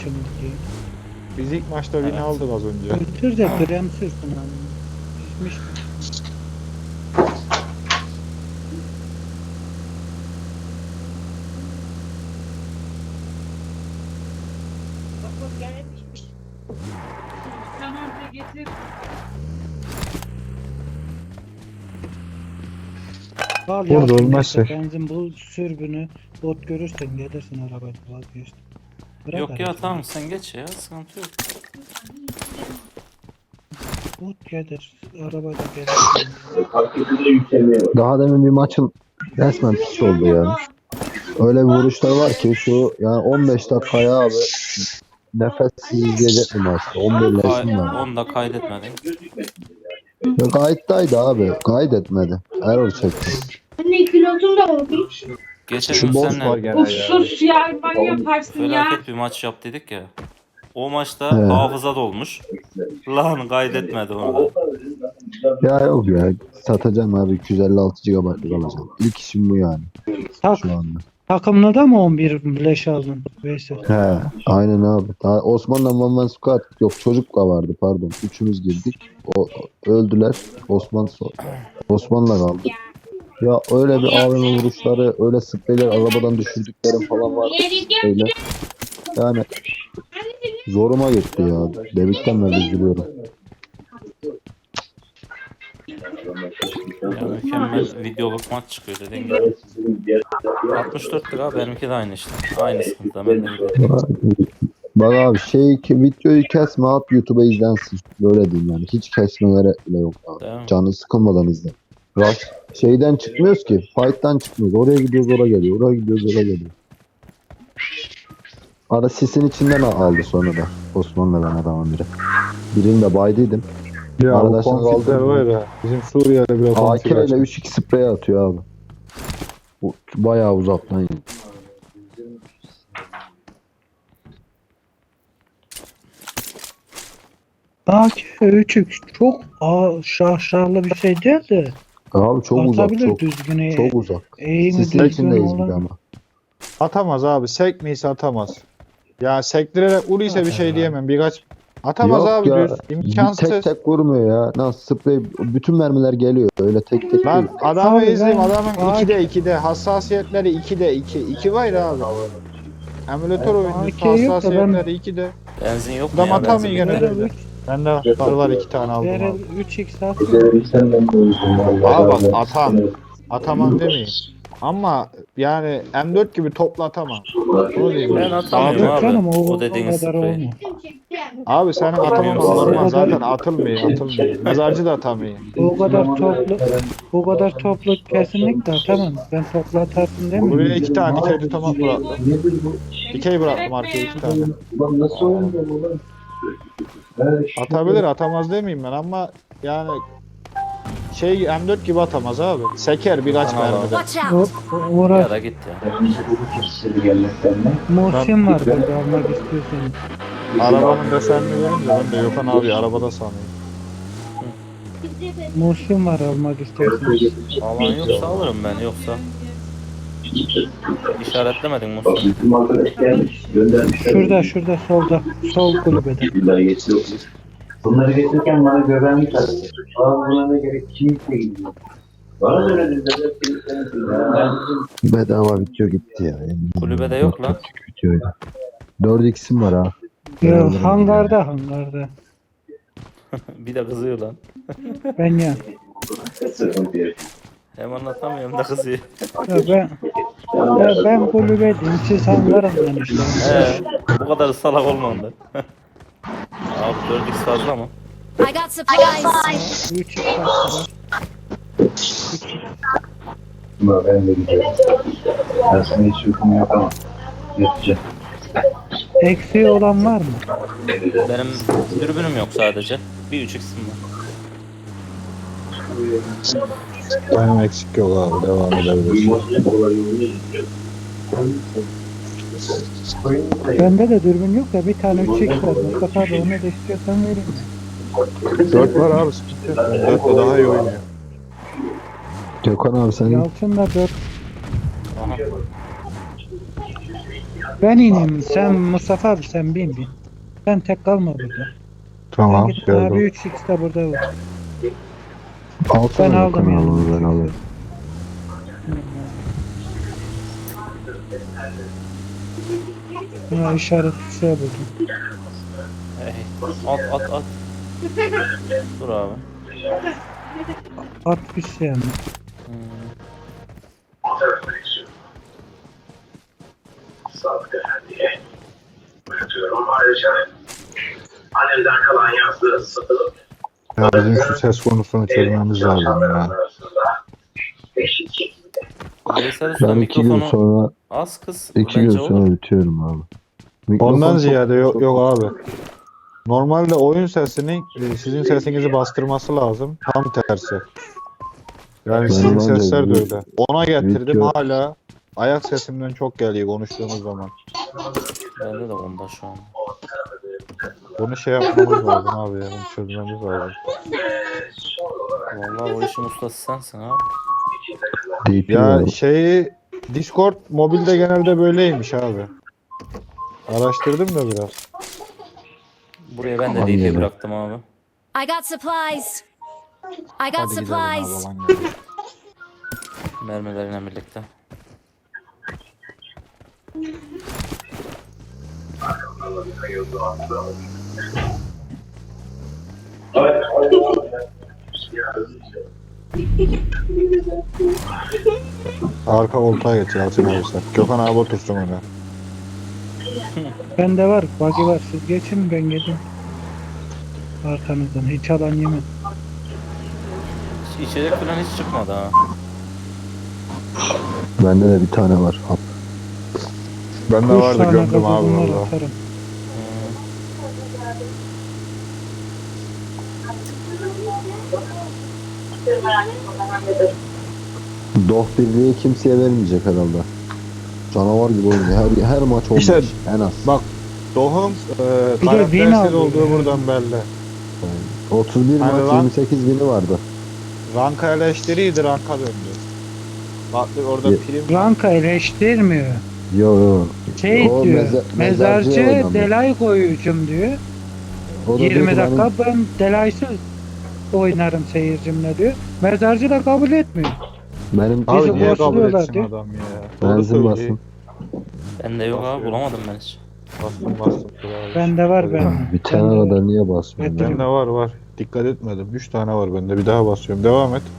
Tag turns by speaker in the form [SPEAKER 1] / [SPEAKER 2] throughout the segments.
[SPEAKER 1] Şimdi
[SPEAKER 2] Biz ilk maçta win aldık az önce.
[SPEAKER 1] götür de krem sürsün abi. Pişmiş.
[SPEAKER 3] Tamam da getir.
[SPEAKER 1] Al
[SPEAKER 4] Burada
[SPEAKER 1] ya,
[SPEAKER 4] olmazsa.
[SPEAKER 1] benzin bul sürbünü bot görürsen gelirsin arabayla vazgeçtim. Bırak
[SPEAKER 5] Yok ya
[SPEAKER 1] aracı.
[SPEAKER 5] tamam sen geç ya sıkıntı yok.
[SPEAKER 1] Bot gelir arabayla gelirsin.
[SPEAKER 4] Daha demin bir maçın resmen piç oldu ya. Öyle bir vuruşlar var ki şu yani 15 dakikaya abi nefessiz izleyecek bir maçtı. 11 leşim var.
[SPEAKER 5] Onu da kaydetmedin.
[SPEAKER 4] Ya kayıttaydı abi. Kaydetmedi. Error çekti.
[SPEAKER 3] Anne kilotun da olmuş.
[SPEAKER 5] Geçen
[SPEAKER 4] Şu
[SPEAKER 5] gün
[SPEAKER 4] boss
[SPEAKER 5] seninle
[SPEAKER 2] var gene
[SPEAKER 3] Of
[SPEAKER 2] ya.
[SPEAKER 3] sus ya ben yaparsın ya.
[SPEAKER 5] felaket bir maç yap dedik ya. O maçta
[SPEAKER 4] He.
[SPEAKER 5] hafıza dolmuş. Lan kaydetmedi onu da.
[SPEAKER 4] Ya yok ya. Satacağım abi. 256 GB'lık alacağım. İlk işim bu yani.
[SPEAKER 1] Tak,
[SPEAKER 4] Şu anda.
[SPEAKER 1] takımda da mı 11 leş aldın? Veysel.
[SPEAKER 4] He. Aynen abi. Daha Osman'la Manman Squad yok çocuk da vardı pardon. Üçümüz girdik. O öldüler. Osman'la kaldık. Ya öyle bir AVM vuruşları, öyle spreyler arabadan düşürdüklerim falan vardı. Öyle. Yani zoruma gitti ya. Devikten beri üzülüyorum.
[SPEAKER 5] Ya mükemmel videoluk maç çıkıyor dediğin gibi. 64 lira benimki de aynı işte. Aynı sıkıntı ben de gidiyorum.
[SPEAKER 4] Bak abi videoyu kesme at YouTube'a izlensin. Böyle diyeyim yani. Hiç kesmelere bile yok abi.
[SPEAKER 5] Değil mi?
[SPEAKER 4] Canı sıkılmadan izle. Şeyden çıkmıyoruz ki. Fight'tan çıkmıyoruz. Oraya gidiyoruz oraya geliyor. Oraya gidiyoruz oraya geliyor. Ara sisin içinden aldı sonra da. Osman'la ben adamın biri. Birini de baydıydım.
[SPEAKER 2] Ya
[SPEAKER 4] Arada
[SPEAKER 2] o
[SPEAKER 4] şimdi
[SPEAKER 2] konflikler
[SPEAKER 4] aldım.
[SPEAKER 2] var ya. Bizim Suriye'de bile
[SPEAKER 4] AK
[SPEAKER 2] konflik
[SPEAKER 4] ile
[SPEAKER 2] açtı.
[SPEAKER 4] 3-2 sprey atıyor abi. Bu bayağı uzaktan.
[SPEAKER 1] Bak 3 çok şahşarlı bir şey değil de
[SPEAKER 4] Abi çok uzak.
[SPEAKER 1] atabilir
[SPEAKER 4] Çok,
[SPEAKER 1] düzgün.
[SPEAKER 4] çok uzak.
[SPEAKER 1] Eğimi
[SPEAKER 4] Sisin
[SPEAKER 1] düzgün
[SPEAKER 4] içindeyiz bir de
[SPEAKER 1] olan.
[SPEAKER 4] ama.
[SPEAKER 2] Atamaz abi. Sekmeyse atamaz. Ya sektirerek vuruysa bir şey diyemem. Birkaç atamaz
[SPEAKER 4] Yok
[SPEAKER 2] abi
[SPEAKER 4] ya,
[SPEAKER 2] düz. İmkansız.
[SPEAKER 4] Tek tek vurmuyor ya. Nasıl sprey bütün mermiler geliyor. Öyle tek tek
[SPEAKER 2] Lan
[SPEAKER 4] değil.
[SPEAKER 2] adamı
[SPEAKER 1] Abi
[SPEAKER 2] izleyeyim
[SPEAKER 1] ben-
[SPEAKER 2] adamın
[SPEAKER 1] Bak.
[SPEAKER 2] 2'de hassasiyetleri 2'de 2. 2 var ya abi. Emülatör oyuncusu
[SPEAKER 1] AK yok da ben-
[SPEAKER 2] hassasiyetleri 2'de.
[SPEAKER 5] Benzin yok mu
[SPEAKER 2] Adam
[SPEAKER 5] ya?
[SPEAKER 2] atamıyor
[SPEAKER 5] Benzin
[SPEAKER 2] gene
[SPEAKER 5] bitti.
[SPEAKER 2] böyle. Bende var 2 tane aldım
[SPEAKER 1] Diğer
[SPEAKER 2] abi.
[SPEAKER 1] 3x atıyor.
[SPEAKER 2] Abi bak atam. Atamam demeyin. Ama yani M4 gibi topla atamam. Onu diyeyim.
[SPEAKER 5] Ben atamıyorum
[SPEAKER 1] Yok
[SPEAKER 5] abi.
[SPEAKER 1] canım
[SPEAKER 5] O dediğiniz
[SPEAKER 1] kadar
[SPEAKER 5] sprey.
[SPEAKER 1] olmuyor.
[SPEAKER 2] Abi senin
[SPEAKER 5] Atamıyorum
[SPEAKER 2] atamaman
[SPEAKER 5] size.
[SPEAKER 2] normal. Zaten atılmıyor. Mezarcı da atamıyor.
[SPEAKER 1] Bu kadar toplu kesinlikle atamam. Ben toplu atarsın demiyorum.
[SPEAKER 2] Buraya 2 tane dikey tutamak bıraktım. Dikey bıraktım arkaya 2 tane. Atabilir atamaz demeyeyim ben ama yani M4 gibi atamaz abi. Seker birkaç
[SPEAKER 5] Tamam abi.
[SPEAKER 2] mermide.
[SPEAKER 6] Watch out!
[SPEAKER 1] Uğraş.
[SPEAKER 5] Ya da git ya.
[SPEAKER 1] Muhsin var burada almak istiyorsan.
[SPEAKER 2] Arabanın desenini verince ben de Yokan abi arabada sanıyorum.
[SPEAKER 1] Muhsin var almak istiyorsan.
[SPEAKER 5] Alan yoksa alırım ben yoksa. İşaretlemedin Mustafa.
[SPEAKER 1] Şurada solda. Sol kulübede.
[SPEAKER 7] Bunları getirirken bana güvenlik aradı. Buna ne gerek kimse gidiyor. Bana söylediğinde de
[SPEAKER 4] Bedava video gitti ya.
[SPEAKER 5] Kulübede yok lan.
[SPEAKER 4] Videoydu. 4x'im var ha.
[SPEAKER 1] Ya, hangarda.
[SPEAKER 5] Bir de kızıyor lan.
[SPEAKER 1] Ben ya.
[SPEAKER 7] sıkıntı yok.
[SPEAKER 5] Hem anlatamıyorum da kızıyor.
[SPEAKER 1] Ben kulübedeyim. Siz hangarından işte.
[SPEAKER 5] Bu kadar salak olmam ben. Abi 4x fazla mı?
[SPEAKER 6] I got supplies!
[SPEAKER 1] 3 var.
[SPEAKER 7] Ama ben de gidiyorum. Ben sana hiç uykumu yapamam. Yatacağım.
[SPEAKER 1] Eksiği olan var mı?
[SPEAKER 5] Benim dürbünüm yok sadece. Bir 3x'im var.
[SPEAKER 2] Benim eksik yok abi devam edebiliriz.
[SPEAKER 1] Bende de dürbün yok da bir tane 3x var. Mustafa abi onu da istiyorsan vereyim.
[SPEAKER 2] 4 var abi sıkıntı yok. 4 de daha iyi oynuyor.
[SPEAKER 4] Gökhan abi senin
[SPEAKER 1] Yalçın da 4.
[SPEAKER 5] Aha.
[SPEAKER 1] Ben ineyim. Sen Mustafa abi sen bin. Sen tek kalma burada.
[SPEAKER 2] Tamam.
[SPEAKER 1] Sen git abi
[SPEAKER 2] Geldim.
[SPEAKER 1] 3x de burada var.
[SPEAKER 4] Alsana
[SPEAKER 1] Ben aldım
[SPEAKER 4] Gökhan
[SPEAKER 1] yani.
[SPEAKER 4] onu, ben alayım.
[SPEAKER 1] Ha, işaret şey buldum.
[SPEAKER 5] Hey, at. Dur abi.
[SPEAKER 1] 60 yani.
[SPEAKER 5] Hmm.
[SPEAKER 7] Sadık Efendi'ye bırakıyorum. Ayrıca annemden kalan yazdığı satılıp
[SPEAKER 2] Ya bizim şu ses konusunu çözmemiz lazım ya.
[SPEAKER 7] arasında eşit şekilde.
[SPEAKER 5] Veysel Usta
[SPEAKER 4] Ben 2 gün
[SPEAKER 5] mikrofonu
[SPEAKER 4] sonra
[SPEAKER 5] az kız.
[SPEAKER 4] 2 gün
[SPEAKER 5] Bence olur.
[SPEAKER 4] sonra bitiyorum abi. Mikrofon
[SPEAKER 2] Ondan
[SPEAKER 4] çok-
[SPEAKER 2] ziyade yok,
[SPEAKER 4] çok-
[SPEAKER 2] yok abi. Normalde oyun sesinin sizin sesinizi bastırması lazım. Tam tersi. Yani sizin
[SPEAKER 4] bence
[SPEAKER 2] sesler de
[SPEAKER 4] video-
[SPEAKER 2] öyle. Ona getirdim
[SPEAKER 4] video-
[SPEAKER 2] hala ayak sesimden çok geliyor konuştuğumuz zaman.
[SPEAKER 5] Bende de onda şu an.
[SPEAKER 2] Bunu şey yapmamız lazım abi ya. Bunu çözmemiz lazım.
[SPEAKER 5] Vallahi o işin ustası sensin abi.
[SPEAKER 4] DP
[SPEAKER 2] Ya
[SPEAKER 4] var.
[SPEAKER 2] şeyi Discord mobilde genelde böyleymiş abi. Araştırdım da biraz.
[SPEAKER 5] Buraya ben de
[SPEAKER 4] Aman
[SPEAKER 5] DP
[SPEAKER 4] yine.
[SPEAKER 5] bıraktım abi.
[SPEAKER 6] I got supplies. I got
[SPEAKER 2] Hadi gidelim abi
[SPEAKER 6] supplies.
[SPEAKER 2] alan geldi.
[SPEAKER 5] Mermilerine birlikte.
[SPEAKER 2] Arka koltuğa geç Yalçın abi sen. Gökhan abi otursun ona.
[SPEAKER 1] Bende var. Buggy var. Siz geçin ben gelin. Arkanızdan. Hiç alan yemem.
[SPEAKER 5] İçecek falan hiç çıkmadı ha.
[SPEAKER 4] Bende de bir tane var. Al.
[SPEAKER 2] Bende
[SPEAKER 1] 3
[SPEAKER 2] vardı
[SPEAKER 1] tane
[SPEAKER 2] gömdüm abi
[SPEAKER 1] gazozum var
[SPEAKER 2] valla.
[SPEAKER 1] atarım.
[SPEAKER 4] Doh birliği kimseye vermeyecek herhalde. Canavar gibi oynuyor. Her maç 15
[SPEAKER 2] İşte
[SPEAKER 4] en az.
[SPEAKER 2] bak Doğum
[SPEAKER 1] Bir de win
[SPEAKER 2] karaktersiz
[SPEAKER 1] aldı
[SPEAKER 2] olduğu
[SPEAKER 1] ya.
[SPEAKER 2] buradan belli.
[SPEAKER 4] 31
[SPEAKER 2] Hani
[SPEAKER 4] maç
[SPEAKER 2] lan-
[SPEAKER 4] 28 bini vardı.
[SPEAKER 2] Ranka eleştiriydi ranka döndü. Bak orada
[SPEAKER 4] Ye-
[SPEAKER 2] prim
[SPEAKER 1] Ranka eleştirmiyor.
[SPEAKER 4] Yo.
[SPEAKER 1] Şey
[SPEAKER 4] O
[SPEAKER 1] diyor.
[SPEAKER 4] mezarcıya
[SPEAKER 1] Mezarcı
[SPEAKER 4] oynamıyor.
[SPEAKER 1] delay koyucum diyor.
[SPEAKER 4] O da diyor
[SPEAKER 1] 20
[SPEAKER 4] ki
[SPEAKER 1] dakika ben delaysız oynarım seyircimle diyor. Mezarcı da kabul etmiyor.
[SPEAKER 4] Benim
[SPEAKER 2] abi
[SPEAKER 1] Bizi
[SPEAKER 2] niye kabul
[SPEAKER 1] boşluyorlar
[SPEAKER 2] etsin
[SPEAKER 1] diyor.
[SPEAKER 2] adam ya. Doğru
[SPEAKER 4] benzin
[SPEAKER 2] söylüyor.
[SPEAKER 4] basın.
[SPEAKER 5] Bende yok abi bulamadım ben hiç.
[SPEAKER 2] Bastım. Dur abi.
[SPEAKER 1] Bende var
[SPEAKER 2] Hadi.
[SPEAKER 1] ben.
[SPEAKER 4] Bir tane kadar niye basmıyorsun?
[SPEAKER 1] Getir.
[SPEAKER 2] Bende var. Dikkat etmedim. 3 tane var bende. Bir daha basıyorum. Devam et.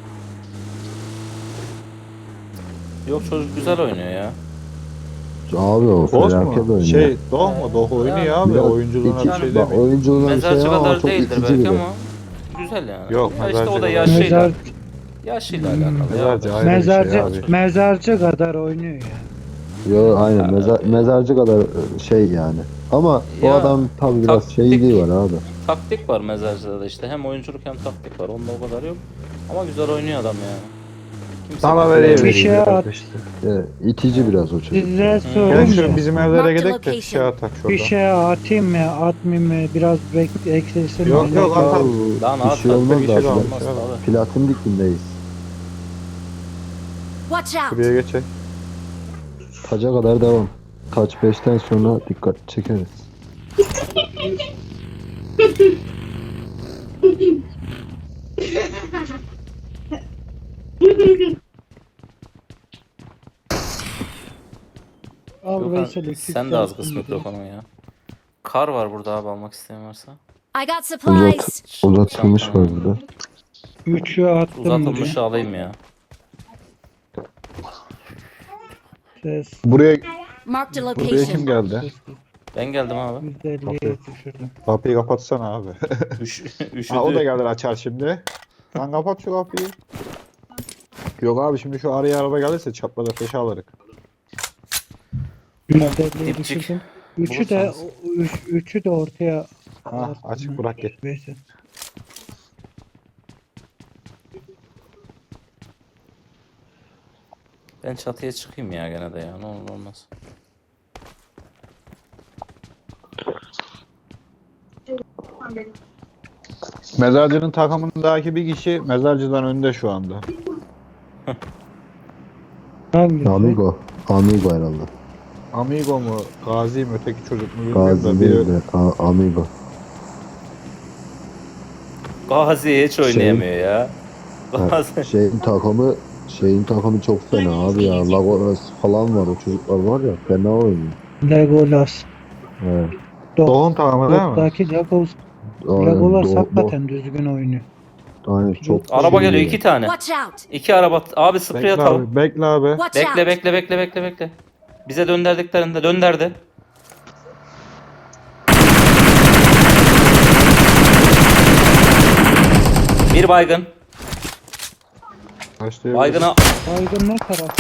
[SPEAKER 5] Yok çocuk güzel oynuyor ya.
[SPEAKER 4] Abi o
[SPEAKER 2] Boz
[SPEAKER 4] felaket
[SPEAKER 2] mu?
[SPEAKER 4] oynuyor.
[SPEAKER 2] Şey Doğ mu? Doğ oynuyor abi.
[SPEAKER 4] Biraz
[SPEAKER 2] Oyunculuğuna bir
[SPEAKER 4] iki-
[SPEAKER 2] şey
[SPEAKER 4] bak,
[SPEAKER 2] demiyor.
[SPEAKER 4] oyunculuğuna bir şey
[SPEAKER 5] Mezarcı
[SPEAKER 4] ama
[SPEAKER 5] kadar
[SPEAKER 4] çok
[SPEAKER 5] değildir
[SPEAKER 4] itici
[SPEAKER 5] belki
[SPEAKER 4] biri.
[SPEAKER 5] ama güzel yani.
[SPEAKER 2] Yok,
[SPEAKER 5] Ya işte o da
[SPEAKER 2] mezarcı
[SPEAKER 5] yaşıyla,
[SPEAKER 1] Mezar,
[SPEAKER 5] yaşıyla alakalı.
[SPEAKER 2] Mezarcı
[SPEAKER 5] ya.
[SPEAKER 2] ayrı bir
[SPEAKER 1] mezarcı,
[SPEAKER 2] şey abi.
[SPEAKER 1] mezarcı kadar oynuyor ya.
[SPEAKER 4] Yo aynen mezarcı kadar şey yani. Ama o
[SPEAKER 5] Ya,
[SPEAKER 4] adam tabi biraz
[SPEAKER 5] taktik-
[SPEAKER 4] şeyliği var abi.
[SPEAKER 5] Taktik var mezarcıda da işte. Hem oyunculuk hem taktik var. Onda o kadar yok. Ama güzel oynuyor adam yani. Kimse
[SPEAKER 2] Sana
[SPEAKER 5] kimse-
[SPEAKER 2] vereyim.
[SPEAKER 1] Bir şey at.
[SPEAKER 4] İtici biraz o çocuk.
[SPEAKER 1] Size
[SPEAKER 2] Gel
[SPEAKER 1] sorayım
[SPEAKER 2] şu
[SPEAKER 1] mı?
[SPEAKER 2] bizim evlere
[SPEAKER 6] Mark the
[SPEAKER 2] gidelim de
[SPEAKER 6] location.
[SPEAKER 2] bir şey atak
[SPEAKER 1] Bir
[SPEAKER 2] şurada.
[SPEAKER 1] şey atayım mı atmayayım mı biraz eksilsin.
[SPEAKER 2] Yok,
[SPEAKER 1] ondan
[SPEAKER 2] yok,
[SPEAKER 1] sonra-
[SPEAKER 2] at.
[SPEAKER 5] Lan
[SPEAKER 4] Bir
[SPEAKER 5] at,
[SPEAKER 4] şey
[SPEAKER 5] at,
[SPEAKER 4] olmaz
[SPEAKER 2] bir
[SPEAKER 4] da
[SPEAKER 2] şey
[SPEAKER 4] plat-
[SPEAKER 2] olmaz.
[SPEAKER 5] tabii.
[SPEAKER 4] platin diklindeyiz.
[SPEAKER 6] Watch out.
[SPEAKER 2] Şuraya geçelim.
[SPEAKER 4] Taca kadar devam. Taç 5'ten sonra dikkat çekeriz.
[SPEAKER 1] Al
[SPEAKER 5] Gökhan,
[SPEAKER 1] Veysel, iki
[SPEAKER 5] sen de az kıs
[SPEAKER 1] saat
[SPEAKER 5] mikrofonu ya. Kar var burada abi almak isteyen varsa.
[SPEAKER 6] I got supplies.
[SPEAKER 4] Uzatılmış var burada.
[SPEAKER 1] Üçü attım
[SPEAKER 5] Uzatılmış
[SPEAKER 1] buraya.
[SPEAKER 5] alayım ya.
[SPEAKER 1] Ses
[SPEAKER 2] Buraya
[SPEAKER 6] Marked a
[SPEAKER 2] kim
[SPEAKER 6] location.
[SPEAKER 2] geldi?
[SPEAKER 5] Ben geldim abi.
[SPEAKER 1] %50'ye düşürdüm.
[SPEAKER 2] Kapıyı kapatsana abi.
[SPEAKER 5] Üşüdü.
[SPEAKER 2] Ha, o da gelir açar şimdi. Lan kapat şu kapıyı. Yok abi şimdi şu araya araba gelirse çapraz ateşe alırız.
[SPEAKER 1] %50'ye
[SPEAKER 5] Dipçik.
[SPEAKER 1] düşürdüm. Üçü de ortaya
[SPEAKER 2] Ha
[SPEAKER 1] attım.
[SPEAKER 2] açık bırak git.
[SPEAKER 1] Veysel.
[SPEAKER 5] Ben çatıya çıkayım ya gene de ya. Ne olur olmaz.
[SPEAKER 2] Mezarcının takımındaki bir kişi mezarcıdan önde şu anda.
[SPEAKER 1] Hangisi?
[SPEAKER 4] Amigo. Amigo herhalde.
[SPEAKER 2] Amigo mu? Gazi mi? Öteki çocuk mu bilmiyorum
[SPEAKER 4] Gazi
[SPEAKER 2] da
[SPEAKER 4] değil
[SPEAKER 2] biri.
[SPEAKER 4] de Amigo.
[SPEAKER 5] Gazi hiç oynayamıyor ya. Gazi.
[SPEAKER 4] Şeyin takımı çok fena abi ya. Lagoras falan var, o çocuklar var ya, fena oynuyor.
[SPEAKER 1] Legolas.
[SPEAKER 4] Evet.
[SPEAKER 2] Doğum tamamı değil mi?
[SPEAKER 1] Dot'taki Legolas
[SPEAKER 4] Aynen,
[SPEAKER 1] hakikaten düzgün oynuyor.
[SPEAKER 4] aynen çok
[SPEAKER 5] Araba
[SPEAKER 4] şey
[SPEAKER 5] geliyor
[SPEAKER 4] ya.
[SPEAKER 5] 2 tane.
[SPEAKER 6] Watch out!
[SPEAKER 5] 2 araba. Abi sprey
[SPEAKER 2] Bekle
[SPEAKER 5] atalım.
[SPEAKER 2] abi. Bekle abi.
[SPEAKER 6] Watch
[SPEAKER 5] Bekle
[SPEAKER 6] out!
[SPEAKER 5] bekle. Bize döndürdüklerinde dönderdi. Bir baygın.
[SPEAKER 2] Başlayabiliriz.
[SPEAKER 5] Baygına.
[SPEAKER 1] Baygın ne taraf?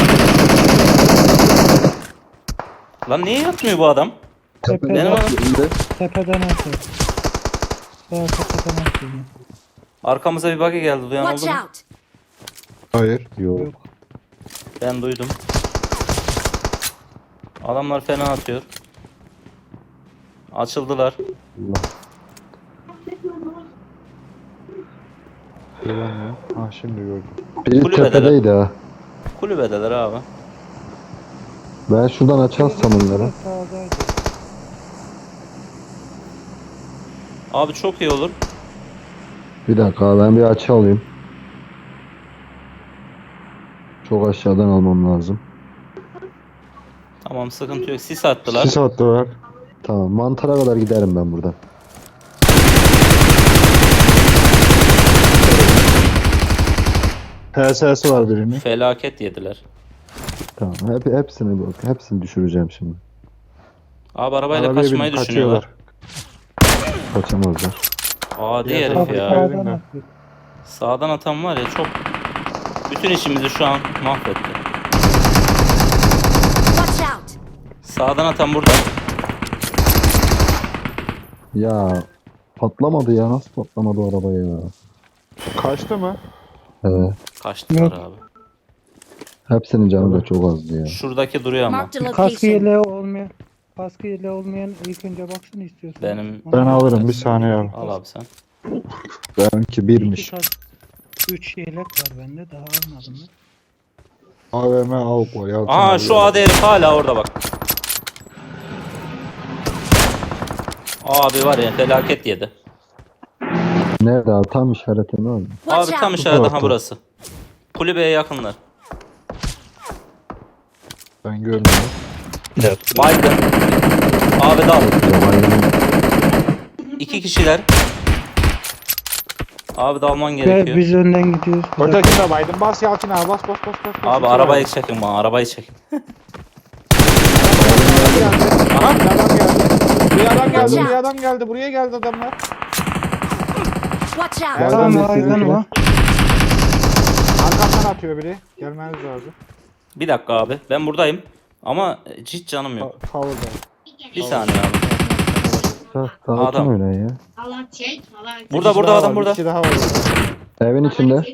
[SPEAKER 5] Lan niye yatmıyor bu adam?
[SPEAKER 1] Tepeden,
[SPEAKER 5] Benim adam.
[SPEAKER 1] tepeden atıyor. Sağ tepeden atıyor.
[SPEAKER 5] Arkamıza bir buggy geldi. Duyan
[SPEAKER 6] Watch
[SPEAKER 5] oldu mu?
[SPEAKER 6] out!
[SPEAKER 2] Hayır.
[SPEAKER 4] Yok.
[SPEAKER 1] Yok.
[SPEAKER 5] Ben duydum. Adamlar fena atıyor. Açıldılar.
[SPEAKER 4] Allah.
[SPEAKER 2] Göremiyorum. Ha şimdi gördüm.
[SPEAKER 4] Biri
[SPEAKER 5] Kulübede
[SPEAKER 4] tepedeydi ha.
[SPEAKER 5] Kulübedeler abi.
[SPEAKER 4] Ben şuradan açarsam onları.
[SPEAKER 1] Sağdaydı.
[SPEAKER 5] Abi çok iyi olur.
[SPEAKER 4] Bir dakika, ben bir açı alayım. Çok aşağıdan almam lazım.
[SPEAKER 5] Tamam sıkıntı yok. Sis attılar.
[SPEAKER 2] Sis attılar.
[SPEAKER 4] Tamam, mantara kadar giderim ben buradan.
[SPEAKER 2] PSS var birinin.
[SPEAKER 5] Felaket yediler.
[SPEAKER 4] Tamam, hepsini düşüreceğim şimdi.
[SPEAKER 5] Abi arabayla
[SPEAKER 2] Arabaya
[SPEAKER 5] kaçmayı
[SPEAKER 2] binip
[SPEAKER 5] düşünüyorlar.
[SPEAKER 4] Kaçamazlar.
[SPEAKER 5] Adi
[SPEAKER 2] Ya,
[SPEAKER 5] herif
[SPEAKER 1] Bak
[SPEAKER 5] ya.
[SPEAKER 2] sağ-
[SPEAKER 1] sağdan atıyor.
[SPEAKER 5] Sağdan atan var ya çok. Bütün işimizi şu an mahvetti.
[SPEAKER 6] Watch out!
[SPEAKER 5] Sağdan atan burada.
[SPEAKER 4] Ya patlamadı ya, nasıl patlamadı o araba ya?
[SPEAKER 2] Kaçtı mı?
[SPEAKER 5] Kaçtılar
[SPEAKER 1] Yok.
[SPEAKER 5] abi.
[SPEAKER 4] Hepsinin canı da çok azdı ya.
[SPEAKER 5] Şuradaki duruyor ama.
[SPEAKER 6] Marked a
[SPEAKER 1] Kaskı
[SPEAKER 6] location.
[SPEAKER 1] yeleği olmayan ilk önce baksın istiyorsan.
[SPEAKER 5] Benim-
[SPEAKER 2] Ben alırım bir saniye abi.
[SPEAKER 5] Al abi sen.
[SPEAKER 2] Benimki birmiş.
[SPEAKER 1] 3 yelek var bende, daha almadım ben.
[SPEAKER 2] AVM avuk var. Yalçın
[SPEAKER 5] Aa
[SPEAKER 2] abi.
[SPEAKER 5] şu adi herif hala orada bak. Abi var ya felaket yedi.
[SPEAKER 4] Nerede abi? Tam işaretinde var mı?
[SPEAKER 6] Watch
[SPEAKER 5] Abi tam
[SPEAKER 6] out!
[SPEAKER 5] işaret
[SPEAKER 2] tarafta.
[SPEAKER 5] aha burası. Kulübeye yakınlar.
[SPEAKER 2] Ben görmüyorum.
[SPEAKER 5] Baygın. Abi dal.
[SPEAKER 4] Ya bayramın
[SPEAKER 5] 2 kişiler. Abi dalman
[SPEAKER 1] Ve
[SPEAKER 5] gerekiyor.
[SPEAKER 1] biz önden gidiyoruz.
[SPEAKER 2] Ötekini de baydım. Bas Yalçın abi. Bas.
[SPEAKER 5] Abi arabayı çekin bana arabayı çekin.
[SPEAKER 2] Aha bir adam geldi. Bir adam geldi.
[SPEAKER 6] Watch
[SPEAKER 2] Bir
[SPEAKER 6] out.
[SPEAKER 2] adam geldi. Buraya geldi adamlar.
[SPEAKER 6] Watch out!
[SPEAKER 2] Nereden
[SPEAKER 1] Tamam,
[SPEAKER 2] de
[SPEAKER 1] baygın
[SPEAKER 2] sizinki?
[SPEAKER 1] var.
[SPEAKER 2] Arkamdan atıyor biri. Gelmeniz lazım.
[SPEAKER 5] Bir dakika abi ben buradayım. Ama hiç canım yok.
[SPEAKER 2] Tavırda.
[SPEAKER 5] Bir saniye abi.
[SPEAKER 4] sakin
[SPEAKER 5] Adam.
[SPEAKER 4] öyle ya.
[SPEAKER 3] Allah çek. Allah çek.
[SPEAKER 5] Burada adam burada.
[SPEAKER 2] Bir kişi daha var.
[SPEAKER 4] Evin içinde.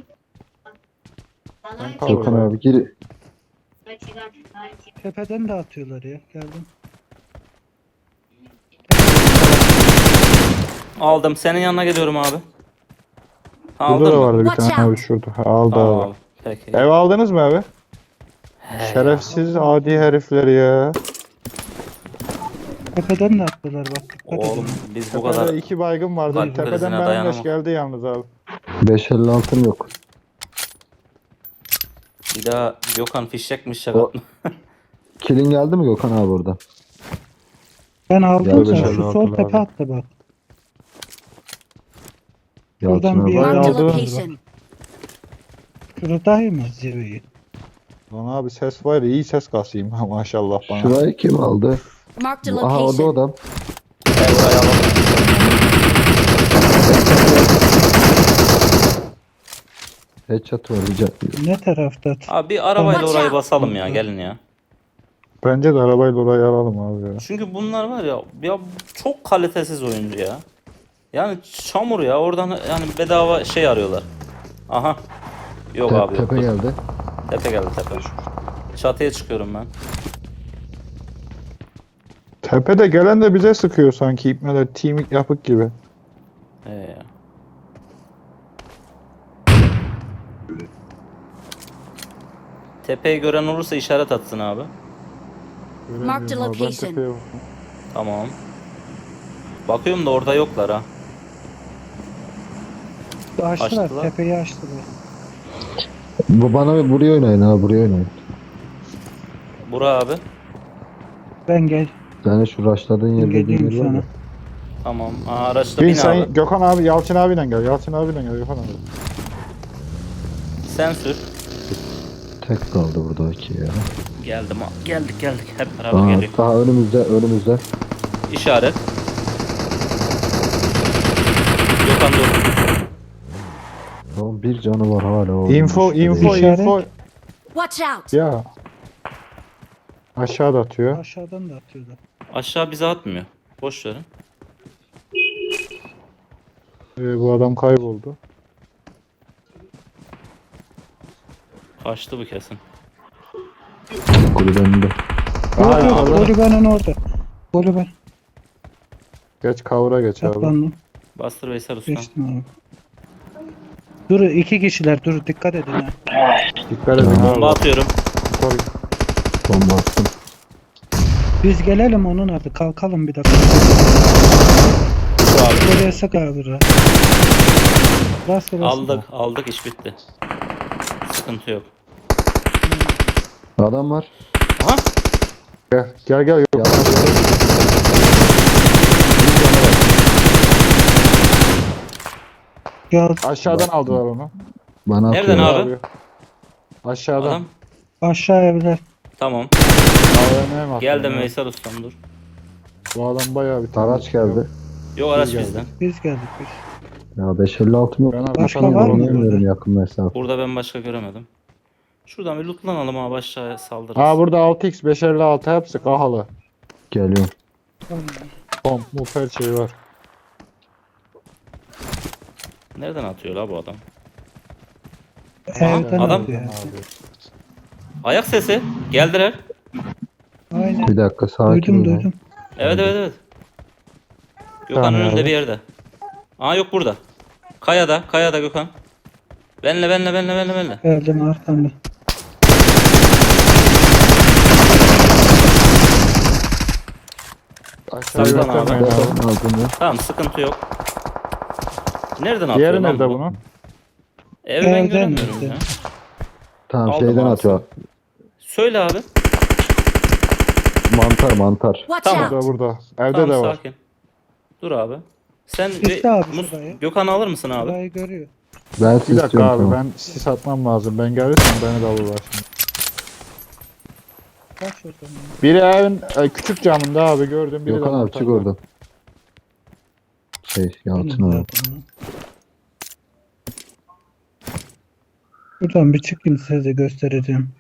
[SPEAKER 2] Ben
[SPEAKER 4] Gökhan abi gir.
[SPEAKER 1] Tepeden de atıyorlar ya. Geldim.
[SPEAKER 5] Aldım. Senin yanına geliyorum abi.
[SPEAKER 2] Burada
[SPEAKER 5] Aldın
[SPEAKER 2] da
[SPEAKER 5] mı?
[SPEAKER 2] vardı bir
[SPEAKER 6] Watch
[SPEAKER 2] tane
[SPEAKER 6] out.
[SPEAKER 2] abi şurada. Ha, aldı
[SPEAKER 5] Aa,
[SPEAKER 2] abi.
[SPEAKER 5] peki.
[SPEAKER 2] Ev aldınız mı abi?
[SPEAKER 5] He.
[SPEAKER 2] Şerefsiz adi herifler ya.
[SPEAKER 1] Tepeden de attılar bak. Dikkat
[SPEAKER 5] Oğlum
[SPEAKER 1] edin.
[SPEAKER 5] biz bu kadar
[SPEAKER 2] Tepede 2 baygın vardı.
[SPEAKER 5] Kalp
[SPEAKER 2] Tepeden
[SPEAKER 5] krizine
[SPEAKER 2] benim
[SPEAKER 5] dayanamam.
[SPEAKER 2] leş geldi yalnız abi.
[SPEAKER 4] 556'm yok.
[SPEAKER 5] bir daha Gökhan fişekmiş
[SPEAKER 4] O-
[SPEAKER 5] şaka.
[SPEAKER 4] Kilin geldi mi Gökhan abi orada?
[SPEAKER 1] Ben aldım
[SPEAKER 4] Gel
[SPEAKER 1] sen.
[SPEAKER 2] beşer
[SPEAKER 1] Şu
[SPEAKER 2] altı
[SPEAKER 1] sol
[SPEAKER 2] abi.
[SPEAKER 1] tepe attı bak.
[SPEAKER 4] Yalçın
[SPEAKER 1] Buradan bir
[SPEAKER 4] abi.
[SPEAKER 1] yer-
[SPEAKER 6] Marked a
[SPEAKER 2] aldı.
[SPEAKER 6] location.
[SPEAKER 1] Şuradayım mı zirveyi?
[SPEAKER 2] Lan abi ses var ya, iyi ses kasayım ha maşallah bana.
[SPEAKER 4] Şurayı kim aldı?
[SPEAKER 6] Marked a
[SPEAKER 4] Aha, o da
[SPEAKER 6] location.
[SPEAKER 4] adam.
[SPEAKER 5] Gel buraya alalım.
[SPEAKER 4] Headshot var rica.
[SPEAKER 1] Ne tarafta?
[SPEAKER 5] Abi bir arabayla
[SPEAKER 6] Watch
[SPEAKER 5] orayı
[SPEAKER 6] out.
[SPEAKER 5] basalım ya gelin ya.
[SPEAKER 2] Bence de arabayla orayı alalım abi ya.
[SPEAKER 5] Çünkü bunlar var ya çok kalitesiz oyuncu ya. Yani çamur ya oradan yani bedava şey arıyorlar. Aha. Yok abi yok.
[SPEAKER 4] Tepe geldi.
[SPEAKER 5] Tepe geldi tepe. Çatıya çıkıyorum ben.
[SPEAKER 2] Tepede gelen de bize sıkıyor sanki ipmeler timik yapık gibi.
[SPEAKER 5] Ya. Tepeyi gören olursa işaret atsın abi.
[SPEAKER 6] Marked a
[SPEAKER 2] Göremiyorum abi, ben
[SPEAKER 6] location.
[SPEAKER 2] tepeye bakıyorum.
[SPEAKER 5] Tamam. Bakıyorum da orada yoklar ha.
[SPEAKER 1] Açtılar,
[SPEAKER 5] Açtılar.
[SPEAKER 1] tepeyi açtılar.
[SPEAKER 4] Bu bana buraya oynayın abi, buraya oynayın.
[SPEAKER 5] Bura abi.
[SPEAKER 1] Ben gel.
[SPEAKER 4] Yani şu rushladığın yer dediğin
[SPEAKER 1] Geleyim
[SPEAKER 4] yer var
[SPEAKER 1] sana.
[SPEAKER 4] ya.
[SPEAKER 5] Tamam. Aa, araçta
[SPEAKER 2] Bin
[SPEAKER 5] bin
[SPEAKER 2] sen
[SPEAKER 5] abi.
[SPEAKER 2] Gökhan abi, Yalçın abiyle gel. Yalçın abiyle gel Gökhan abi.
[SPEAKER 5] Sen sür.
[SPEAKER 4] Tek kaldı burada iki ya.
[SPEAKER 5] Geldim abi. Geldik. Hep beraber
[SPEAKER 4] Aa,
[SPEAKER 5] geliyor.
[SPEAKER 4] daha önümüzde.
[SPEAKER 5] İşaret. Gökhan dur.
[SPEAKER 4] Tamam, bir canı var hala. o
[SPEAKER 2] Info
[SPEAKER 1] İşaret.
[SPEAKER 6] Watch out!
[SPEAKER 2] Ya. Aşağıda atıyor.
[SPEAKER 1] Aşağıdan da atıyorlar.
[SPEAKER 5] Aşağı bize atmıyor. Boş verin.
[SPEAKER 2] Bu adam kayboldu.
[SPEAKER 5] Kaçtı bu kesin.
[SPEAKER 4] Kulübenin de.
[SPEAKER 2] Aha,
[SPEAKER 1] Yok yok,
[SPEAKER 2] yukarıda.
[SPEAKER 1] Kulübenin orada. Kulübe.
[SPEAKER 2] Geç kavura geç abi.
[SPEAKER 1] Saklandım.
[SPEAKER 5] Bastır Veysel Usta.
[SPEAKER 1] Geçtim abi. Dur, iki kişiler, dur dikkat edin ha.
[SPEAKER 2] Dikkat edin
[SPEAKER 5] Bomba
[SPEAKER 2] abi.
[SPEAKER 5] atıyorum.
[SPEAKER 2] Yukarı.
[SPEAKER 4] Bomba attım.
[SPEAKER 1] Biz gelelim onun adı, kalkalım bir dakika.
[SPEAKER 5] Dur abi.
[SPEAKER 1] Buraya sık abi. Rastgele sık.
[SPEAKER 5] Aldık iş bitti. Sıkıntı yok.
[SPEAKER 4] Adam var.
[SPEAKER 5] Aha.
[SPEAKER 2] Gel
[SPEAKER 4] Ya,
[SPEAKER 2] Gökhan.
[SPEAKER 1] Ya
[SPEAKER 2] Aşağıdan aldılar onu.
[SPEAKER 4] bana
[SPEAKER 5] Nereden
[SPEAKER 4] atıyor.
[SPEAKER 5] abi?
[SPEAKER 2] Aşağıdan.
[SPEAKER 5] Adam.
[SPEAKER 1] aşağı evler.
[SPEAKER 5] Tamam.
[SPEAKER 2] AVM'ye mi attın
[SPEAKER 5] Geldim
[SPEAKER 2] ya?
[SPEAKER 5] Veysel Ustam dur.
[SPEAKER 2] Bu adam bayağı bir
[SPEAKER 4] Araç geldi.
[SPEAKER 5] Yok araç
[SPEAKER 2] geldi.
[SPEAKER 5] bizden.
[SPEAKER 1] Biz geldik biz.
[SPEAKER 4] Ya 556 yok.
[SPEAKER 2] Ben
[SPEAKER 1] Başka
[SPEAKER 2] arkadan
[SPEAKER 1] var mı?
[SPEAKER 2] vuruyorum.
[SPEAKER 4] Bilmiyorum yakın mesafe.
[SPEAKER 5] Burada ben başka göremedim. Şuradan bir lootlanalım abi aşağıya saldırırız.
[SPEAKER 2] Ha burada 6x 556 hepsi kahalı.
[SPEAKER 4] Geliyorum.
[SPEAKER 2] Pomp muf her şey var.
[SPEAKER 5] Nereden atıyor la bu adam?
[SPEAKER 1] Evden
[SPEAKER 5] adam-
[SPEAKER 1] atıyor.
[SPEAKER 2] Abi.
[SPEAKER 5] Ayak sesi. Geldiler.
[SPEAKER 1] Aynen.
[SPEAKER 4] Bir dakika sakin
[SPEAKER 1] Duydum
[SPEAKER 4] ol.
[SPEAKER 1] duydum.
[SPEAKER 5] Evet. Gökhan
[SPEAKER 2] Tamam
[SPEAKER 5] önünde
[SPEAKER 2] abi.
[SPEAKER 5] bir yerde. Aa yok burada. Kayada Gökhan. Benle.
[SPEAKER 1] Geldim arkamda.
[SPEAKER 2] Aşağı
[SPEAKER 5] Saklan abi.
[SPEAKER 2] göstermeyin abi.
[SPEAKER 4] Zaten aldım ya.
[SPEAKER 5] Tamam sıkıntı yok. Nereden atıyor
[SPEAKER 2] Diğeri
[SPEAKER 5] lan
[SPEAKER 2] nerede
[SPEAKER 5] bu?
[SPEAKER 2] bunun?
[SPEAKER 5] Ev ben
[SPEAKER 1] Evden
[SPEAKER 5] göremiyorum
[SPEAKER 1] nerede?
[SPEAKER 5] ya.
[SPEAKER 4] Tamam
[SPEAKER 5] Aldım
[SPEAKER 4] şeyden
[SPEAKER 5] abi.
[SPEAKER 4] atıyor.
[SPEAKER 5] Söyle abi.
[SPEAKER 4] Mantar.
[SPEAKER 6] Watch
[SPEAKER 5] Tamam.
[SPEAKER 6] out!
[SPEAKER 2] Burada. Evde
[SPEAKER 5] Tamam
[SPEAKER 2] de var.
[SPEAKER 5] sakin. Dur abi. Sen
[SPEAKER 1] İşte abi şurayı.
[SPEAKER 5] Gökhan'ı alır mısın abi?
[SPEAKER 1] Burayı görüyor.
[SPEAKER 4] Ben
[SPEAKER 2] Bir
[SPEAKER 4] siz
[SPEAKER 2] dakika
[SPEAKER 4] istiyorum
[SPEAKER 2] abi
[SPEAKER 4] tamam.
[SPEAKER 2] ben sis atmam lazım. Ben gelirsem beni de alırlar şimdi.
[SPEAKER 1] Kaç oradan.
[SPEAKER 2] Biri evin küçük camında abi gördüm. Biri
[SPEAKER 4] Gökhan
[SPEAKER 2] de
[SPEAKER 4] abi çık
[SPEAKER 2] montajda.
[SPEAKER 4] oradan. Yalçın
[SPEAKER 1] Benim
[SPEAKER 4] abi.
[SPEAKER 1] zaten. Buradan bir çıkayım size de göstereceğim.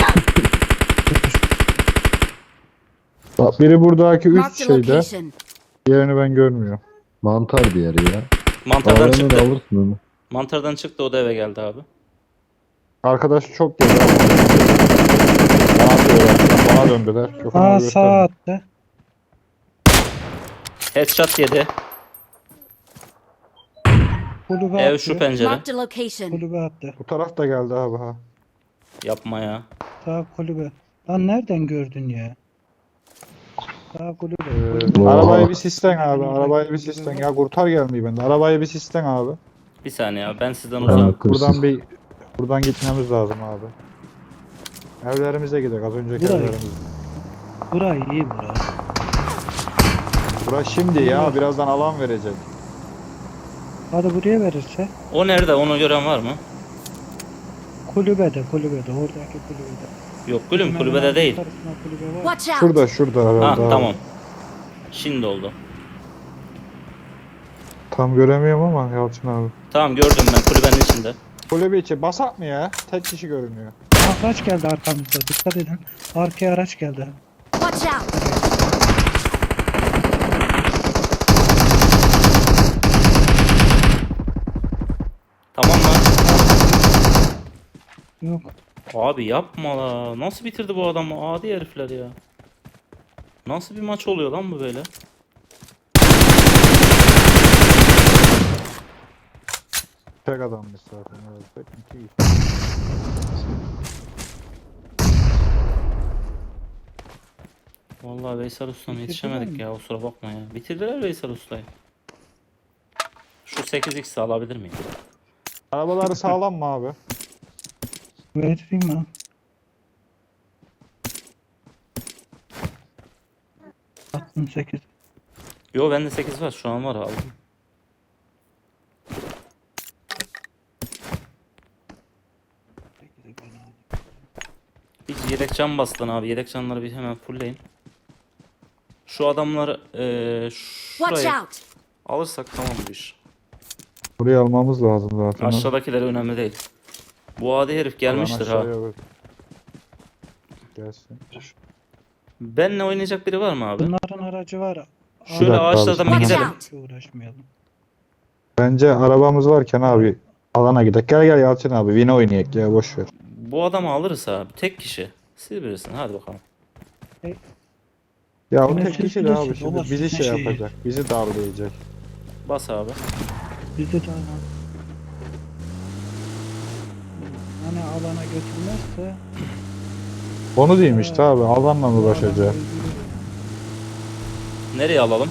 [SPEAKER 2] Bak biri buradaki üst
[SPEAKER 6] Marked a
[SPEAKER 2] şeyde.
[SPEAKER 6] location.
[SPEAKER 2] Diğerini ben görmüyorum.
[SPEAKER 4] Mantar diğeri ya.
[SPEAKER 5] Mantardan
[SPEAKER 4] Aranı da
[SPEAKER 5] çıktı.
[SPEAKER 4] alırsın onu.
[SPEAKER 5] Mantardan çıktı o da eve geldi abi.
[SPEAKER 2] Arkadaş çok geldi. Bana atıyorlar. Bana döndüler. Gökhan
[SPEAKER 1] Aa
[SPEAKER 2] abi
[SPEAKER 1] sağ
[SPEAKER 2] gösterme.
[SPEAKER 1] attı.
[SPEAKER 5] Headshot yedi.
[SPEAKER 1] Kulübe
[SPEAKER 5] Ev
[SPEAKER 1] attı.
[SPEAKER 5] şu pencere.
[SPEAKER 6] Marked a location.
[SPEAKER 1] Kulübe attı.
[SPEAKER 2] Bu taraf da geldi abi ha.
[SPEAKER 5] Yapma ya.
[SPEAKER 1] Sağ kulübe. Lan nereden gördün ya? Sağ kulübe.
[SPEAKER 4] Oo.
[SPEAKER 2] Arabayı bir sisten abi. Arabayı bir sisten. Ya kurtar gelmeyi bende. Arabayı bir sisten abi.
[SPEAKER 5] Bir saniye abi ben sizden
[SPEAKER 4] Tamam.
[SPEAKER 5] uzağım.
[SPEAKER 4] Hırsız.
[SPEAKER 2] Buradan gitmemiz lazım abi. Evlerimize gidelim. Az önceki
[SPEAKER 1] Burayı.
[SPEAKER 2] evlerimize.
[SPEAKER 1] Burayı iyi bura.
[SPEAKER 2] Burası şimdi ya. Birazdan alan verecek.
[SPEAKER 1] Hadi buraya verirse.
[SPEAKER 5] O nerede onu gören var mı?
[SPEAKER 1] Kulübede oradaki kulübede.
[SPEAKER 5] Yok gülüm kulübede değil.
[SPEAKER 1] Tarafına kulübe var.
[SPEAKER 6] Watch out!
[SPEAKER 2] Şurada
[SPEAKER 5] Ha
[SPEAKER 2] herhalde. abi.
[SPEAKER 5] tamam. Şimdi oldu.
[SPEAKER 2] Tam göremiyorum ama Yalçın abi.
[SPEAKER 5] Tamam gördüm ben kulübenin içinde.
[SPEAKER 2] Kulübe içi basak mı ya? Tek kişi görünüyor.
[SPEAKER 1] Araç geldi arkamızda. Dikkat edin. Arkaya araç geldi.
[SPEAKER 6] Watch out!
[SPEAKER 5] Tamam lan.
[SPEAKER 1] Yok.
[SPEAKER 5] Abi yapma la. Nasıl bitirdi bu adamı? Adi herifler ya. Nasıl bir maç oluyor lan bu böyle?
[SPEAKER 2] Tek adammış zaten. Evet. Tek iki kişi.
[SPEAKER 5] Vallahi Veysel Usta'm
[SPEAKER 1] Bitirdiler
[SPEAKER 5] yetişemedik
[SPEAKER 1] mi?
[SPEAKER 5] ya, kusura bakma ya. Bitirdiler Veysel Usta'yı. Şu 8x'i alabilir miyim?
[SPEAKER 2] Arabaları sağlam mı abi?
[SPEAKER 1] Vereyim ha. Attım 8.
[SPEAKER 5] Yo bende 8 var, şu an var aldım. Bir yedek can bastın abi. Yedek canları bir hemen fullleyin. Şu adamları
[SPEAKER 6] Watch
[SPEAKER 5] şurayı
[SPEAKER 6] out!
[SPEAKER 5] alırsak tamam bu iş.
[SPEAKER 2] Burayı almamız lazım zaten.
[SPEAKER 5] Aşağıdakiler önemli değil. Bu adi herif gelmiştir ha.
[SPEAKER 2] Gelsin.
[SPEAKER 5] Benle oynayacak biri var mı abi?
[SPEAKER 1] Bunların aracı var.
[SPEAKER 5] Şöyle
[SPEAKER 2] dakika abi,
[SPEAKER 5] ağaçlardan bir
[SPEAKER 6] Watch
[SPEAKER 5] gidelim.
[SPEAKER 6] out!
[SPEAKER 1] Hiç uğraşmayalım.
[SPEAKER 2] Bence arabamız varken abi alana gidelim. Gel gel Yalçın abi. Vine oynayak ya, boş ver.
[SPEAKER 5] Bu adamı alırız abi. Tek kişi. Siz bilirsin. Hadi bakalım.
[SPEAKER 2] Ya o
[SPEAKER 1] Yine
[SPEAKER 2] tek
[SPEAKER 1] siz
[SPEAKER 2] kişi de abi
[SPEAKER 1] bilirsiniz,
[SPEAKER 2] şimdi
[SPEAKER 1] baba,
[SPEAKER 2] bizi
[SPEAKER 1] sizin
[SPEAKER 2] şey
[SPEAKER 1] şeyi.
[SPEAKER 2] yapacak. Bizi darlayacak.
[SPEAKER 5] Bas abi.
[SPEAKER 1] Bizi de hani alana götürmezse
[SPEAKER 2] Onu diyeyim işte abi. Alanla mı uğraşacak?
[SPEAKER 5] Nereye alalım?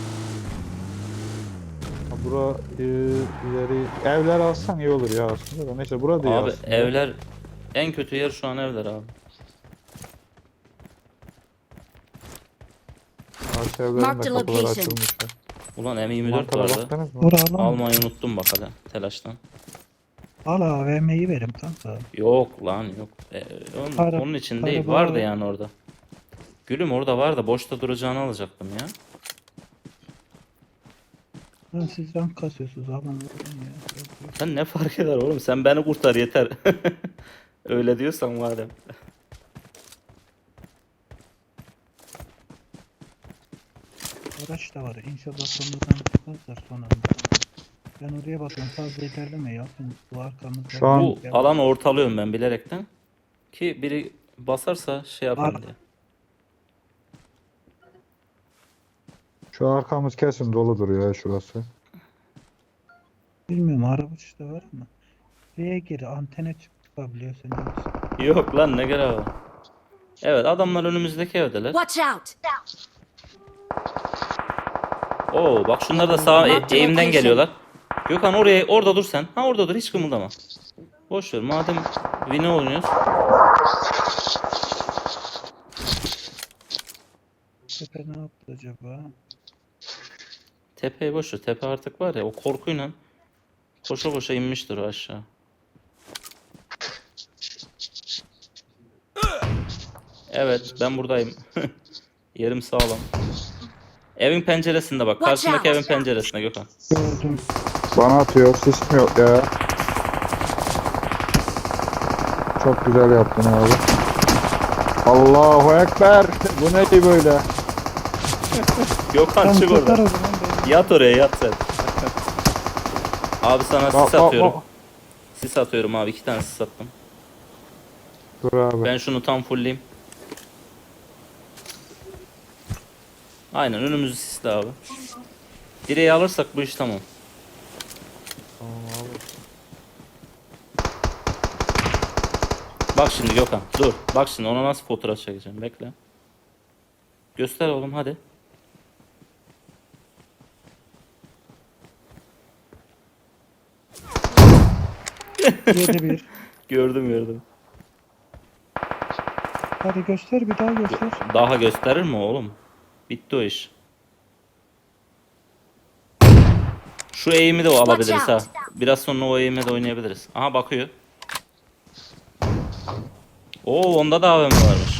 [SPEAKER 2] Ha, bura ileri evler alsan iyi olur ya aslında da. Neyse burada değil
[SPEAKER 5] Abi
[SPEAKER 2] aslında.
[SPEAKER 5] evler, en kötü yer şu an evler abi.
[SPEAKER 2] Arka evlerin
[SPEAKER 6] Mark
[SPEAKER 2] de
[SPEAKER 6] the
[SPEAKER 2] kapıları
[SPEAKER 6] location.
[SPEAKER 2] açılmış. ya.
[SPEAKER 5] Ulan M24
[SPEAKER 2] Markara
[SPEAKER 5] vardı.
[SPEAKER 2] baktınız mı?
[SPEAKER 1] Vuralım.
[SPEAKER 5] Almayı unuttum bak hadi telaştan.
[SPEAKER 1] Al AVM'yi verim kanka.
[SPEAKER 5] Yok lan yok. Onun,
[SPEAKER 1] Para-
[SPEAKER 5] onun için değil.
[SPEAKER 1] para
[SPEAKER 5] Vardı
[SPEAKER 1] var.
[SPEAKER 5] yani orada. Gülüm orada vardı. Boşta duracağını alacaktım ya.
[SPEAKER 1] Lan siz rank kasıyorsunuz aman vurun ya. Yok, yok.
[SPEAKER 5] Sen ne fark eder oğlum? Sen beni kurtar yeter. Öyle diyorsan madem.
[SPEAKER 1] Araç da var. İnşallah sonradan çıkmazlar sonunda. Ben oraya bakıyorum. Fazla ilerleme yapın. Bu arkamızda.
[SPEAKER 2] Şu an-
[SPEAKER 5] Bu alanı ortalıyorum ben bilerekten. Ki biri basarsa şey yapayım
[SPEAKER 1] Ar-
[SPEAKER 5] diye.
[SPEAKER 2] Şu arkamız kesin doludur ya şurası.
[SPEAKER 1] Bilmiyorum araba işte var ama. Şuraya gir antene çıkabiliyorsun.
[SPEAKER 5] Yok lan ne görev var. Evet adamlar önümüzdeki evdeler.
[SPEAKER 6] Watch out!
[SPEAKER 5] Oo bak şunlar da sağ
[SPEAKER 6] Marked
[SPEAKER 5] eğimden
[SPEAKER 6] location.
[SPEAKER 5] geliyorlar. Gökhan orada dur sen. Ha orada dur hiç kımıldama. Boş ver madem Vini oynuyoruz.
[SPEAKER 1] Tepe ne yaptı acaba?
[SPEAKER 5] Tepeyi boş ver. Tepe artık var ya o korkuyla koşa koşa inmiştir o aşağı. Evet ben buradayım. Yerim sağlam. Evin penceresinde bak.
[SPEAKER 6] Watch
[SPEAKER 5] Karşındaki
[SPEAKER 6] out.
[SPEAKER 5] evin penceresinde Gökhan.
[SPEAKER 1] Gördüm.
[SPEAKER 2] Bana atıyor. Sis mi yok ya? Çok güzel yaptın abi. Allahu Ekber. Bu ne böyle?
[SPEAKER 5] Gökhan
[SPEAKER 1] Tam
[SPEAKER 5] çık
[SPEAKER 1] tutar
[SPEAKER 5] oradan.
[SPEAKER 1] o zaman beni.
[SPEAKER 5] Yat oraya yat sen. Abi sana
[SPEAKER 2] Bak,
[SPEAKER 5] sis
[SPEAKER 2] bak,
[SPEAKER 5] atıyorum.
[SPEAKER 2] bak.
[SPEAKER 5] Sis atıyorum abi. 2 tane sis attım.
[SPEAKER 2] Dur abi.
[SPEAKER 5] Ben şunu tam fullleyeyim. Aynen önümüzü sisle abi. Direği alırsak bu iş tamam. Bak şimdi Gökhan dur. Bak şimdi ona nasıl fotoğraf çekeceğim bekle. Göster oğlum hadi.
[SPEAKER 1] Yedi bir.
[SPEAKER 5] Gördüm.
[SPEAKER 1] Hadi göster bir daha göster.
[SPEAKER 5] Daha gösterir mi oğlum? Bitti o iş. Şu eğimi de alabiliriz ha. Biraz sonra o eğime de oynayabiliriz. Aha bakıyor. Oo onda da AVM varmış.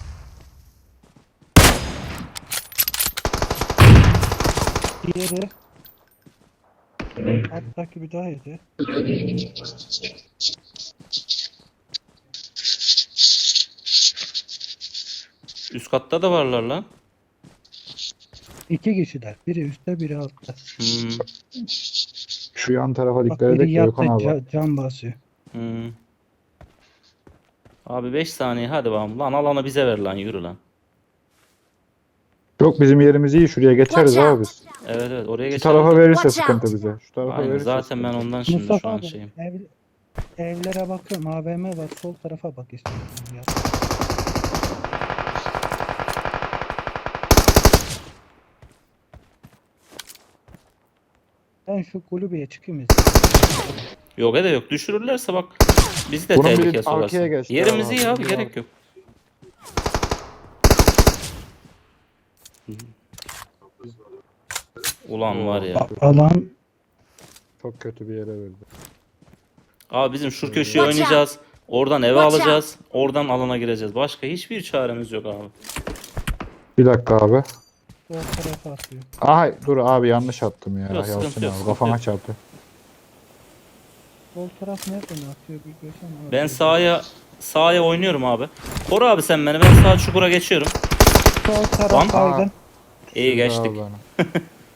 [SPEAKER 1] Diğeri. Alttaki bir daha yedi.
[SPEAKER 5] Üst katta da varlar lan.
[SPEAKER 1] İki kişiler. Biri üstte biri altta.
[SPEAKER 5] Hmm,
[SPEAKER 2] Şu yan tarafa
[SPEAKER 1] Bak
[SPEAKER 2] dikkat
[SPEAKER 1] biri
[SPEAKER 2] edek de
[SPEAKER 1] yattı
[SPEAKER 2] Gökhan abi.
[SPEAKER 1] can basıyor.
[SPEAKER 5] hmm. Abi 5 saniye hadi bakalım. Lan alanı bize ver lan yürü lan.
[SPEAKER 2] Yok bizim yerimiz iyi. Şuraya geçeriz
[SPEAKER 6] Watch
[SPEAKER 2] abi
[SPEAKER 6] out.
[SPEAKER 2] biz.
[SPEAKER 5] Evet oraya
[SPEAKER 2] Şu
[SPEAKER 5] geçelim.
[SPEAKER 2] tarafa verirse
[SPEAKER 6] Watch
[SPEAKER 2] sıkıntı
[SPEAKER 6] out.
[SPEAKER 2] bize. Şu tarafa
[SPEAKER 5] Aynen
[SPEAKER 2] verirse
[SPEAKER 5] zaten ben
[SPEAKER 2] sıkıntı.
[SPEAKER 5] ondan şimdi şu
[SPEAKER 1] Mustafa
[SPEAKER 5] an
[SPEAKER 1] abi
[SPEAKER 5] şeyim.
[SPEAKER 1] evlere bakıyorum. AVM var. Sol tarafa bak istiyorsan. Ya. Ben şu kulübeye çıkayım.
[SPEAKER 5] Yok de yok. Düşürürlerse bak bizi de
[SPEAKER 2] Bunun biri
[SPEAKER 5] tehlikeye
[SPEAKER 2] arkaya
[SPEAKER 5] sokarsın.
[SPEAKER 2] geçti
[SPEAKER 5] Yerimiz
[SPEAKER 2] abi.
[SPEAKER 5] iyi abi
[SPEAKER 2] Biri
[SPEAKER 5] gerek yok. Ulan var ya.
[SPEAKER 1] Alan
[SPEAKER 2] Çok kötü bir yere verdi.
[SPEAKER 5] Abi bizim şu köşeye
[SPEAKER 6] Watch
[SPEAKER 5] oynayacağız. Oradan eve
[SPEAKER 6] Watch
[SPEAKER 5] alacağız. Oradan alana gireceğiz. Başka hiçbir çaremiz yok abi.
[SPEAKER 2] Bir dakika abi.
[SPEAKER 1] sol tarafa atıyor.
[SPEAKER 2] Ay dur abi yanlış attım ya.
[SPEAKER 5] Yok, sıkıntı
[SPEAKER 2] Yalçın
[SPEAKER 5] yok,
[SPEAKER 2] abi
[SPEAKER 5] sıkıntı
[SPEAKER 2] kafama
[SPEAKER 5] yok.
[SPEAKER 2] çarptı.
[SPEAKER 1] Sol taraf nereden atıyor bir görsene.
[SPEAKER 5] Ben sağa oynuyorum abi. Koru abi sen beni. Ben sağ çukura geçiyorum.
[SPEAKER 1] Sol
[SPEAKER 5] Lan.
[SPEAKER 1] taraf baygın.
[SPEAKER 5] İyi geçtik.
[SPEAKER 2] Abi bana.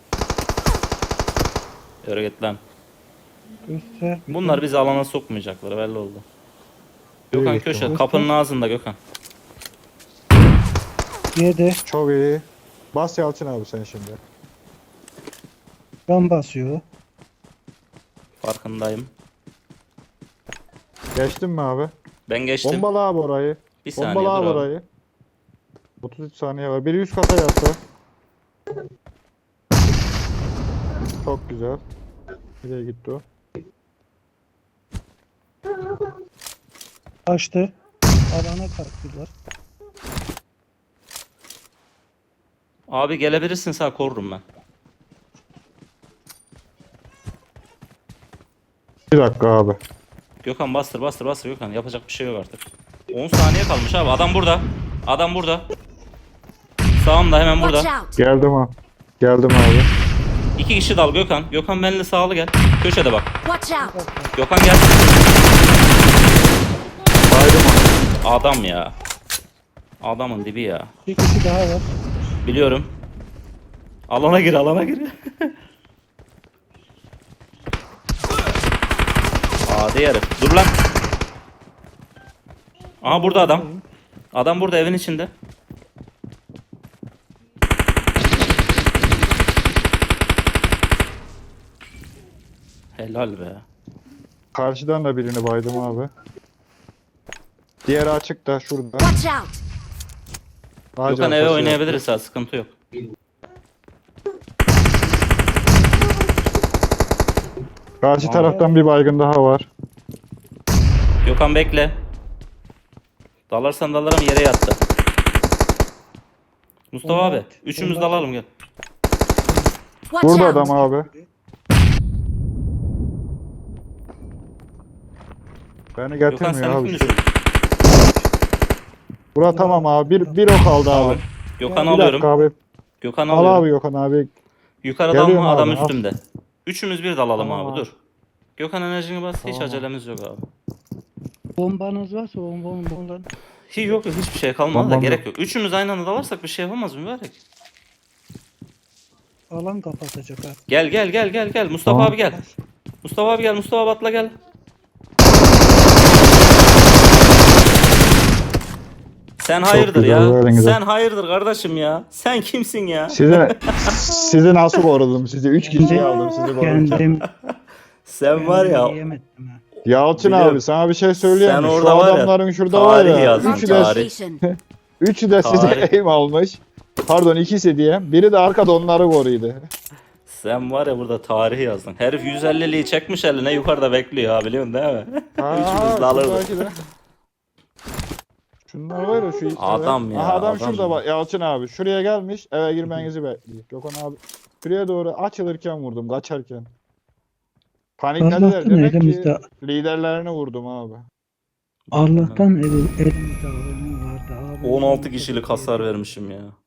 [SPEAKER 5] Yürü git lan.
[SPEAKER 1] Göster.
[SPEAKER 5] Bunlar bizi alana sokmayacaklar belli oldu. Gökhan
[SPEAKER 2] İyi,
[SPEAKER 5] köşe
[SPEAKER 1] tamam.
[SPEAKER 5] kapının ağzında Gökhan.
[SPEAKER 1] Yedi.
[SPEAKER 2] Çok iyi. Bas Yalçın abi sen şimdi.
[SPEAKER 1] Can basıyor.
[SPEAKER 5] Farkındayım.
[SPEAKER 2] Geçtin mi abi?
[SPEAKER 5] Ben geçtim.
[SPEAKER 2] Bombala abi orayı.
[SPEAKER 5] Bir saniye
[SPEAKER 2] Bombala
[SPEAKER 5] dur
[SPEAKER 2] abi
[SPEAKER 5] abi.
[SPEAKER 2] orayı. 33 saniye var. Biri üst kata yattı. Çok güzel. Nereye gitti o?
[SPEAKER 1] Açtı. Alana kalktılar.
[SPEAKER 5] Abi gelebilirsin sağ korurum ben.
[SPEAKER 2] Bir dakika abi.
[SPEAKER 5] Gökhan bastır Gökhan. Yapacak bir şey yok artık. 10 saniye kalmış abi. Adam burada. Adam burada. Sağımda hemen
[SPEAKER 6] Watch
[SPEAKER 5] burada.
[SPEAKER 6] out!
[SPEAKER 2] Geldim abi. Geldim abi.
[SPEAKER 5] 2 kişi dal Gökhan. Gökhan benimle sağlı gel. Köşede bak.
[SPEAKER 6] Watch out!
[SPEAKER 5] Gökhan gel.
[SPEAKER 2] Baydım abi.
[SPEAKER 5] Adam ya. Adamın dibi ya.
[SPEAKER 1] Bir kişi daha var.
[SPEAKER 5] Biliyorum. Alana gir alana gir. Hadi herif. Dur lan. Aha burada adam. Adam burada evin içinde. Helal be.
[SPEAKER 2] Karşıdan da birini baydım abi. Diğeri açık da şurada.
[SPEAKER 6] Watch out!
[SPEAKER 2] Ağacın
[SPEAKER 5] Gökhan eve
[SPEAKER 2] arkası
[SPEAKER 5] oynayabiliriz ha sıkıntı yok.
[SPEAKER 2] Karşı taraftan bir baygın daha var.
[SPEAKER 5] Gökhan bekle. Dalarsan dalarım yere yattı. Mustafa
[SPEAKER 1] Bomba
[SPEAKER 5] abi.
[SPEAKER 1] at.
[SPEAKER 5] Üçümüz
[SPEAKER 1] Bomba at.
[SPEAKER 5] dalalım gel.
[SPEAKER 6] Watch
[SPEAKER 2] Burada
[SPEAKER 6] out!
[SPEAKER 2] adam abi. Beni
[SPEAKER 5] Gökhan
[SPEAKER 2] getirmiyor
[SPEAKER 5] sen
[SPEAKER 2] abi.
[SPEAKER 5] kim düşün?
[SPEAKER 2] Bura tamam abi. Bir o kaldı abi.
[SPEAKER 5] Gökhan'ı
[SPEAKER 2] Bir
[SPEAKER 5] alıyorum.
[SPEAKER 2] dakika abi.
[SPEAKER 5] Gökhan'ı
[SPEAKER 2] Al
[SPEAKER 5] alıyorum.
[SPEAKER 2] abi Gökhan abi.
[SPEAKER 5] Yukarıdan
[SPEAKER 2] Geliyorum
[SPEAKER 5] mı adam
[SPEAKER 2] abi, al.
[SPEAKER 5] üstümde. Üçümüz bir dalalım
[SPEAKER 2] Tamam
[SPEAKER 5] abi
[SPEAKER 2] abi.
[SPEAKER 5] dur. Gökhan enerjini bas hiç
[SPEAKER 2] Tamam.
[SPEAKER 5] acelemiz yok abi.
[SPEAKER 1] Bombanız varsa bombadan.
[SPEAKER 5] Hiç yok hiçbir şey kalmadı da
[SPEAKER 2] Tamam,
[SPEAKER 5] gerek yok. Üçümüz aynı anda dalarsak bir şey yapamaz mübarek.
[SPEAKER 1] Alan kapatacak ha.
[SPEAKER 5] Gel Mustafa
[SPEAKER 2] Tamam.
[SPEAKER 5] abi gel. Mustafa abi gel Mustafa Batla gel. Sen hayırdır
[SPEAKER 2] güzel,
[SPEAKER 5] ya.
[SPEAKER 2] böyle güzel.
[SPEAKER 5] Sen hayırdır kardeşim ya. Sen kimsin ya?
[SPEAKER 2] Sizi nasıl korudum sizi? 3 kişiyi aldım sizi korudum.
[SPEAKER 1] Kendim
[SPEAKER 5] Sen var ya.
[SPEAKER 1] yiyemedim ha.
[SPEAKER 2] Yalçın
[SPEAKER 5] Biliyorum.
[SPEAKER 2] abi sana bir şey söyleyeyim
[SPEAKER 5] Sen
[SPEAKER 2] mi? Şu
[SPEAKER 5] orada var ya,
[SPEAKER 2] adamların şurada var
[SPEAKER 5] tarih
[SPEAKER 2] ya.
[SPEAKER 5] yazdın,
[SPEAKER 6] Marked
[SPEAKER 2] Üçü
[SPEAKER 6] a
[SPEAKER 2] de,
[SPEAKER 5] tarih.
[SPEAKER 6] location.
[SPEAKER 2] üçü de size
[SPEAKER 5] Tarih.
[SPEAKER 2] aim almış. Pardon ikisi diye. Biri de arkada onları koruydu.
[SPEAKER 5] Sen var ya burada tarihi yazdın. Herif 150'liği çekmiş eline yukarıda bekliyor ha biliyorsun değil mi? Üçümüz de alırdık.
[SPEAKER 2] şuradaki de. Şunlar var ya şu ipler.
[SPEAKER 5] Adam ya,
[SPEAKER 2] Aha, adam
[SPEAKER 5] adam
[SPEAKER 2] şurada
[SPEAKER 5] ya.
[SPEAKER 2] bak Yalçın abi. Şuraya gelmiş eve girmenizi bekliyor. Gökhan abi. Şuraya doğru açılırken vurdum kaçarken. Paniklediler
[SPEAKER 1] Allah'tan
[SPEAKER 2] demek ki
[SPEAKER 1] elimizde
[SPEAKER 2] liderlerini vurdum abi.
[SPEAKER 1] Allah'tan elimizde alan vardı abi.
[SPEAKER 5] 16 kişilik hasar vermişim ya.